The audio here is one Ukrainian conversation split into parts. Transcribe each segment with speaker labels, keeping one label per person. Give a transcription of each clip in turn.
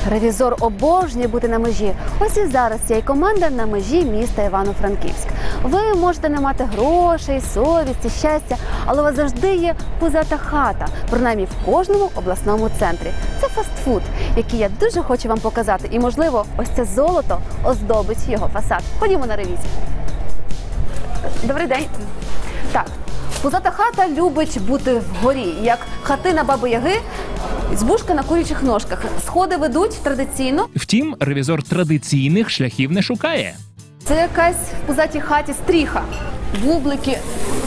Speaker 1: Ревізор обожнює бути на межі. Ось і зараз ця команда на межі міста Івано-Франківськ. Ви можете не мати грошей, совісті, щастя, але у вас завжди є пузата хата, принаймні в кожному обласному центрі. Це фастфуд, який я дуже хочу вам показати. І, можливо, ось це золото оздобить його фасад. Ходімо на ревізію. Добрий день. Так, пузата хата любить бути вгорі, як хатина Баби-Яги, збушка на курячих ножках. Сходи ведуть традиційно.
Speaker 2: Втім, ревізор традиційних шляхів не шукає.
Speaker 1: Це якась в пузатій хаті стріха, бублики.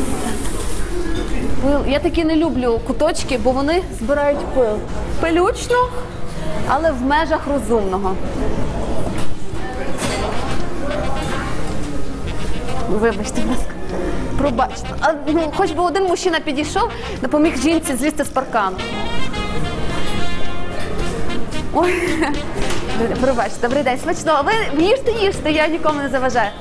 Speaker 1: Пил. Я такі не люблю куточки, бо вони збирають пил. Пилючно, але в межах розумного. Вибачте, будь ласка. Пробачте. Хоч би один мужчина підійшов, допоміг жінці злізти з паркану. Ой, пробачте, добрий день, смачно. Ви їжте, я нікому не заважаю.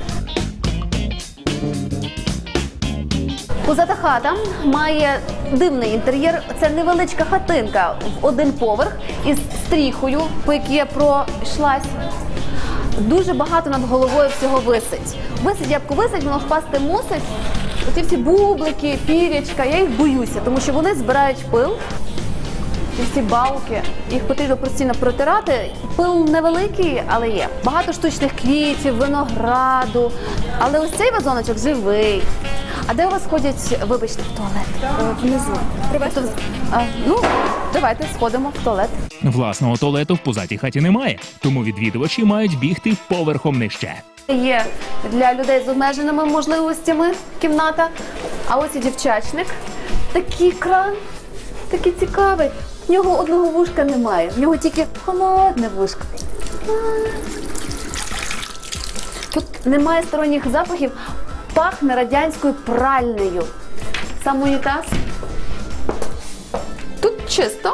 Speaker 1: Пузата хата має дивний інтер'єр. Це невеличка хатинка в один поверх із стріхою, по якій я пройшлась. Дуже багато над головою всього висить. Ябко висить, воно впасти мусить. Оці всі бублики, пірячка, я їх боюся, тому що вони збирають пил. І всі балки, їх потрібно постійно протирати. Пил невеликий, але є. Багато штучних квітів, винограду. Але ось цей вазоночок живий. А де у вас ходять, вибачте, в туалет? Внизу. Ну, давайте сходимо в туалет.
Speaker 2: Власного туалету в пузатій хаті немає, тому відвідувачі мають бігти поверхом нижче.
Speaker 1: Є для людей з обмеженими можливостями кімната. А ось і дівчачник. Такий кран, такий цікавий. В нього одного вушка немає, в нього тільки холодне вушко. Тут немає сторонніх запахів, пахне радянською пральнею. Сам унітаз. Тут чисто,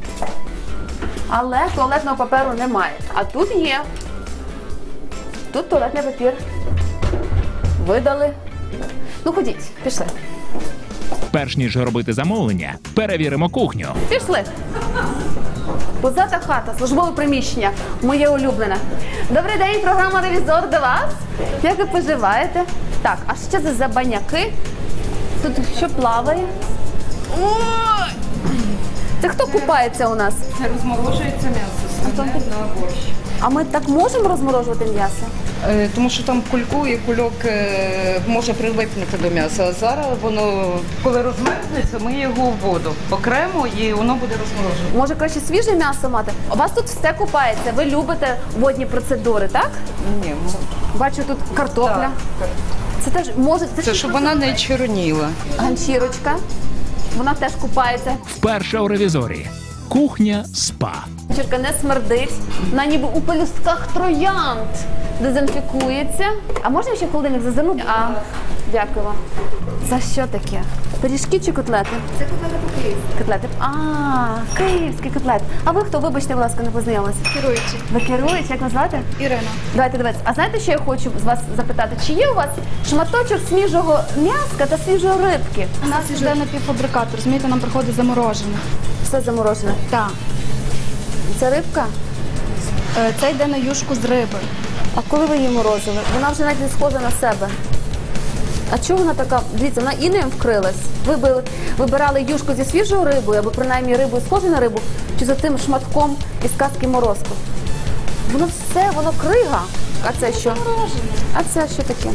Speaker 1: але туалетного паперу немає. А тут є. Тут туалетний папір. Видали. Ну, ходіть, пішли.
Speaker 2: Перш ніж робити замовлення, перевіримо кухню.
Speaker 1: Пішли. Пузата хата, службове приміщення, моє улюблене. Добрий день, програма «Ревізор» до вас. Як ви поживаєте? Так, а що це за баняки? Тут що плаває? Ой! Це хто купається у нас?
Speaker 3: Це розморожується м'ясо, на борщ.
Speaker 1: А ми так можемо розморожувати м'ясо?
Speaker 3: Тому що там кульку і кульок може прилипнути до м'яса. А зараз воно, коли розмерзнеться, ми його в воду окремо і воно буде розморожувати.
Speaker 1: Може краще свіже м'ясо мати? У вас тут все купається, ви любите водні процедури, так?
Speaker 3: Ні,
Speaker 1: Бачу, тут картопля.
Speaker 3: так.
Speaker 1: Це теж може...
Speaker 3: Це щоб вона не чорніла.
Speaker 1: Ганчірочка. Вона теж купається.
Speaker 2: Вперше у ревізорі. Кухня спа.
Speaker 1: Ганчірка не смердить. Вона ніби у пелюстках троянд дезінфікується. А можна ще в холодильник зазирнути? Дякую вам. Це що таке? Пиріжки чи котлети?
Speaker 4: Це котлети по-київськи.
Speaker 1: Котлети. Київський котлет. А ви хто? Вибачте, будь ласка, не познайомилися.
Speaker 4: Керуючий.
Speaker 1: Ви керуєте? Як назвати?
Speaker 4: Ірина.
Speaker 1: Давайте, дивіться. А знаєте, що я хочу з вас запитати? Чи є у вас шматочок свіжого м'яска та свіжої рибки?
Speaker 4: У нас йде напівфабрикат, розумієте, нам приходить заморожене.
Speaker 1: Все заморожене.
Speaker 4: Так.
Speaker 1: Це рибка?
Speaker 4: Це йде на юшку з риби.
Speaker 1: А коли ви її морозили? Вона вже навіть не схожа на себе. А чого вона така? Дивіться, вона інеєм вкрилась. Ви вибирали юшку зі свіжою рибою, або принаймні рибою схожу на рибу, чи за тим шматком із казки морозку? Воно все, воно крига. А це що?
Speaker 4: Морожене.
Speaker 1: А це що таке?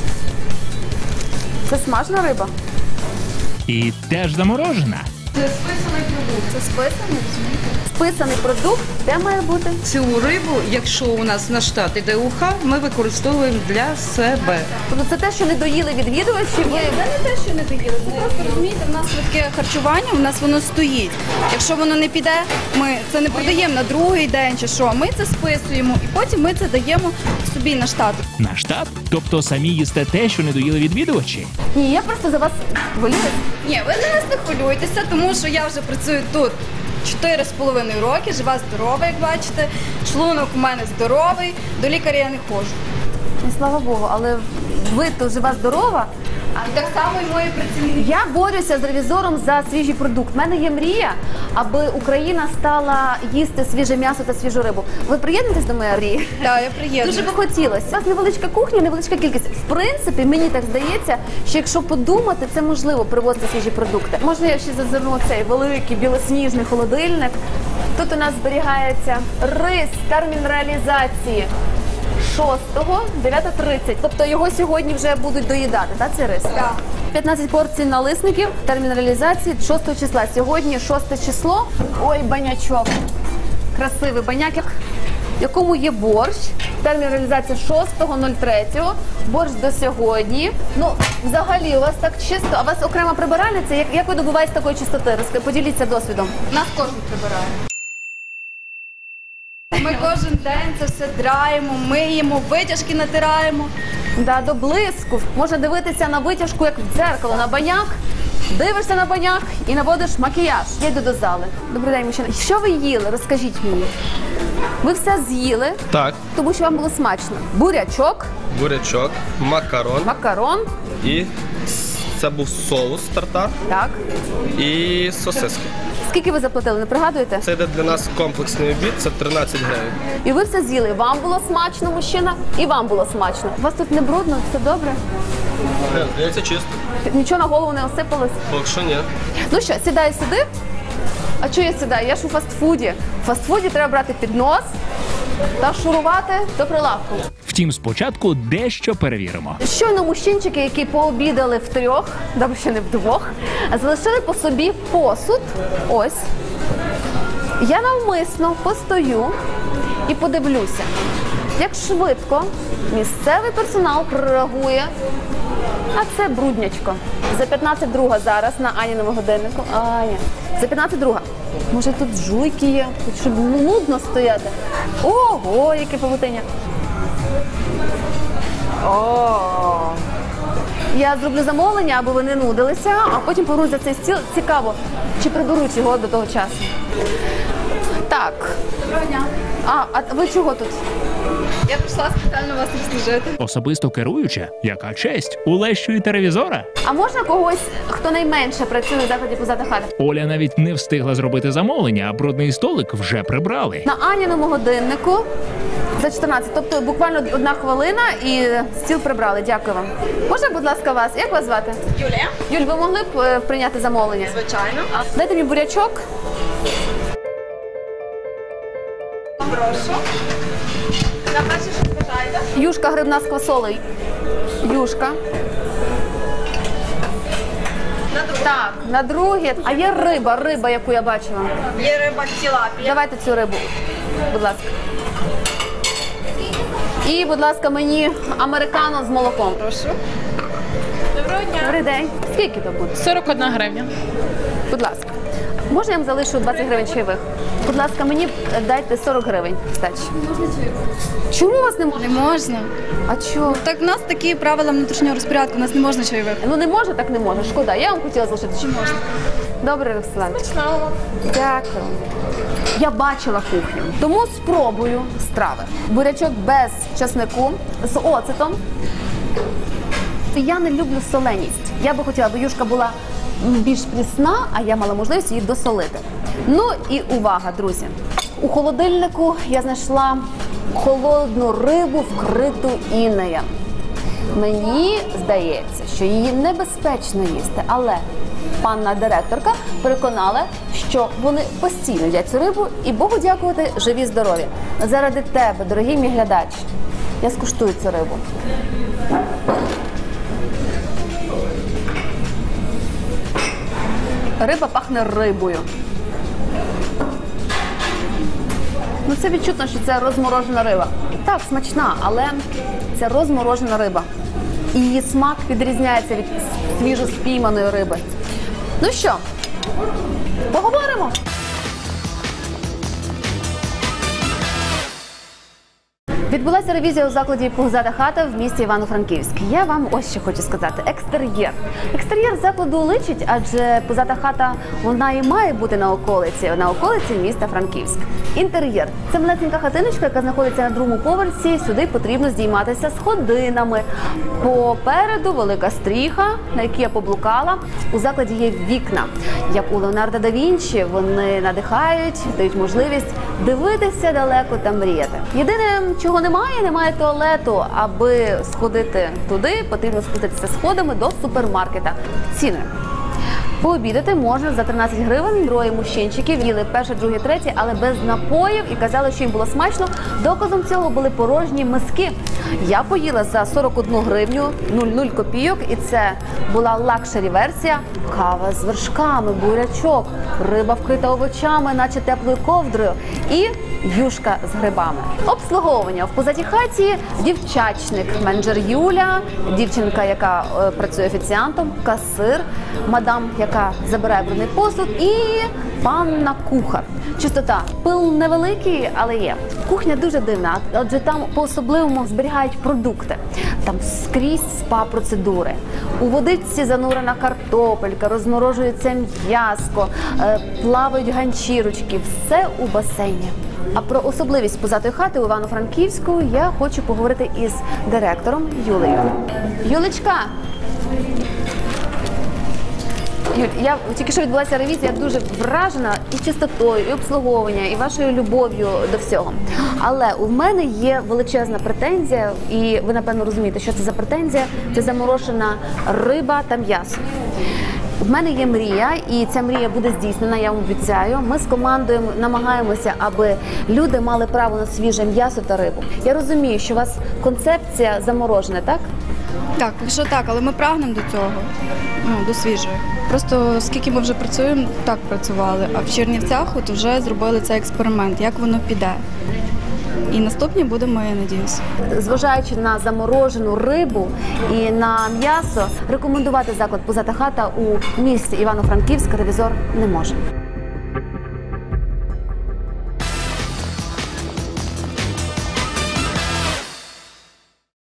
Speaker 1: Це смажена риба?
Speaker 2: І теж заморожена.
Speaker 3: Це списаний продукт.
Speaker 4: Це списаний, розумієте?
Speaker 1: Списаний продукт, де має бути?
Speaker 3: Цю рибу, якщо у нас на штат іде уха, ми використовуємо для себе.
Speaker 1: Тобто це те, що не доїли відвідувачі?
Speaker 4: Це не те, що не доїли. Це просто, розумієте, в нас швидке харчування, в нас воно стоїть. Якщо воно не піде, ми це не продаємо на другий день чи що. Ми це списуємо і потім ми це даємо собі на штат.
Speaker 2: На штат? Тобто самі їсте те, що не доїли відвідувачі?
Speaker 1: Ні, я просто за вас хвилююсь.
Speaker 4: Ні, ви за нас не хвилюйтеся, тому що я вже працюю тут 4,5 роки, жива, здорова, як бачите. Шлунок у мене здоровий, до лікаря я не ходжу.
Speaker 1: І слава Богу, але ви то жива здорова,
Speaker 4: І так само і мої працівники.
Speaker 1: Я борюся з ревізором за свіжий продукт. У мене є мрія, аби Україна стала їсти свіже м'ясо та свіжу рибу. Ви приєднуєтесь до моєї мрії?
Speaker 4: Так, я приєднуюсь.
Speaker 1: Дуже би хотілося. У вас невеличка кухня, невеличка кількість. В принципі, мені так здається, що якщо подумати, це можливо привозити свіжі продукти. Можна я ще зазирну в цей великий білосніжний холодильник. Тут у нас зберігається рис, термін реалізації 6-го, 9:30. Тобто його сьогодні вже будуть доїдати, так, цей рис?
Speaker 4: Так.
Speaker 1: 15 порцій налисників, термін реалізації 6 числа. Сьогодні 6 число. Ой, банячок. Красивий баняк, в якому є борщ. Термін реалізації 6.03. Борщ до сьогодні. Ну, взагалі, у вас так чисто, а у вас окрема прибиральниця. Як ви добуваєтесь такої чистоти? Поділіться досвідом.
Speaker 4: Нас кожен прибирає. Ми кожен день це все драємо, миємо, витяжки натираємо.
Speaker 1: Да, до блиску. Можна дивитися на витяжку, як в дзеркало, на баняк. Дивишся на баняк і наводиш макіяж. Я йду до зали. Добрий день, мужчина. Що ви їли? Розкажіть мені. Ви все з'їли,
Speaker 5: Так,
Speaker 1: тому що вам було смачно. Бурячок,
Speaker 5: бурячок, макарон
Speaker 1: макарон,
Speaker 5: і це був соус тартар
Speaker 1: так.
Speaker 5: і сосиски.
Speaker 1: Скільки ви заплатили, не пригадуєте?
Speaker 5: Це йде для нас комплексний обід, це 13 гривень.
Speaker 1: І ви все з'їли. Вам було смачно, мужчина, і вам було смачно. У вас тут не брудно, все добре?
Speaker 5: Здається, чисто.
Speaker 1: Нічого на голову не осипалось?
Speaker 5: Поки що ні.
Speaker 1: Ну що, сідай сюди. А чого я сідаю? Я ж у фастфуді. В фастфуді треба брати піднос та шурувати до прилавку.
Speaker 2: Втім, спочатку дещо перевіримо.
Speaker 1: Щойно мужчинчики, які пообідали втрьох, добре, ще не вдвох, залишили по собі посуд. Ось. Я навмисно постою і подивлюся, як швидко місцевий персонал прореагує. А це бруднячко. За 15:02 зараз на Аніному годиннику. Аня. За 15:02. Може тут жуйки є, тут щоб нудно стояти. Ого, яке павутиння. О. Я зроблю замовлення, аби ви не нудилися, а потім повернусь за цей стіл. Цікаво, чи приберуть його до того часу. Так.
Speaker 4: Доброго дня.
Speaker 1: А ви чого тут?
Speaker 4: Я прийшла спеціально вас обслужити.
Speaker 2: Особисто керуюча, яка честь, улещуєте ревізора.
Speaker 1: А можна когось, хто найменше працює в закладі позади хати?
Speaker 2: Оля навіть не встигла зробити замовлення, а брудний столик вже прибрали.
Speaker 1: На Аніному годиннику за 14, тобто буквально 1 хвилина і стіл прибрали. Дякую вам. Можна, будь ласка, вас? Як вас звати?
Speaker 4: Юлія.
Speaker 1: Юль, ви могли б прийняти замовлення?
Speaker 4: Звичайно.
Speaker 1: Дайте мені бурячок.
Speaker 4: Прошу. На перше, що бажаєте?
Speaker 1: Юшка грибна з квасолею. Юшка.
Speaker 4: На друге.
Speaker 1: Так, на друге. А є риба, яку я бачила.
Speaker 4: Є риба тілапія.
Speaker 1: Давайте цю рибу, будь ласка. І, будь ласка, мені американо з молоком.
Speaker 4: Прошу. Доброго дня.
Speaker 1: Добрий день. Скільки то буде?
Speaker 6: 41 гривня.
Speaker 1: Будь ласка. Можна я вам залишу 20 гривень чайових? Будь ласка, мені дайте 40 гривень здачі.
Speaker 4: Можна чайку?
Speaker 1: Чому у вас не можна?
Speaker 4: Не можна.
Speaker 1: А чого?
Speaker 4: Так в нас такі правила внутрішнього розпорядку, у нас не можна чайових.
Speaker 1: Ну не може, так не може. Шкода. Я вам хотіла залишити. Чи можна? Добре, Роксолана. Дякую. Я бачила кухню, тому спробую страви. Бурячок без часнику, з оцетом. Я не люблю соленість. Я би хотіла, аби юшка була більш прісна, а я мала можливість її досолити. Ну і увага, друзі. У холодильнику я знайшла холодну рибу, вкриту інеєм. Мені здається, що її небезпечно їсти, але панна директорка переконала, що вони постійно їдять цю рибу і, Богу дякувати, живі, здорові. Заради тебе, дорогий мій глядач, я скуштую цю рибу. Риба пахне рибою. Ну це відчутно, що це розморожена риба. Так, смачна, але це розморожена риба. І її смак відрізняється від свіжоспійманої риби. Ну що, поговоримо? Відбулася ревізія у закладі «Пузата хата» в місті Івано-Франківськ. Я вам ось що хочу сказати. Екстер'єр. Екстер'єр закладу личить, адже «Пузата хата» вона і має бути на околиці міста Франківськ. Інтер'єр. Це малесенька хатиночка, яка знаходиться на другому поверсі. Сюди потрібно здійматися сходинами. Попереду велика стріха, на якій я поблукала. У закладі є вікна. Як у Леонардо да Вінчі, вони надихають, дають можливість дивитися далеко та мріяти. Єдине, чого немає туалету. Аби сходити туди, потрібно спуститися сходами до супермаркета. Ціни. Пообідати можна за 13 гривень, троє мужчинчиків, їли перше, друге, третє, але без напоїв і казали, що їм було смачно. Доказом цього були порожні миски. Я поїла за 41 гривню, 0,0 копійок, і це була лакшері-версія. Кава з вершками, бурячок, риба вкрита овочами, наче теплою ковдрою, і юшка з грибами. Обслуговування в «Пузатій хаті» дівчачник, менеджер Юля, дівчинка, яка працює офіціантом, касир, мадам, яка забирає брудний посуд, і панна кухар. Чистота. Пил невеликий, але є. Кухня дуже дивна, адже там по-особливому зберігають продукти. Там скрізь спа-процедури. У водичці занурена картопелька, розморожується м'яско, плавають ганчірочки. Все у басейні. А про особливість «Пузатої хати» у Івано-Франківську я хочу поговорити із директором Юлею. Юлечка! Юль, я тільки що відбулася ревізія, я дуже вражена і чистотою, і обслуговуванням, і вашою любов'ю до всього. Але у мене є величезна претензія, і ви, напевно, розумієте, що це за претензія. Це заморожена риба та м'ясо. В мене є мрія, і ця мрія буде здійснена, я вам обіцяю. Ми з командою намагаємося, аби люди мали право на свіже м'ясо та рибу. Я розумію, що у вас концепція заморожена, так?
Speaker 4: Так, якщо так, але ми прагнемо до цього, до свіжої. Просто скільки ми вже працюємо, так працювали, а в Чернівцях от вже зробили цей експеримент, як воно піде. І наступні будемо, я надіюсь.
Speaker 1: Зважаючи на заморожену рибу і на м'ясо, рекомендувати заклад «Пузата хата» у місті Івано-Франківськ ревізор не може.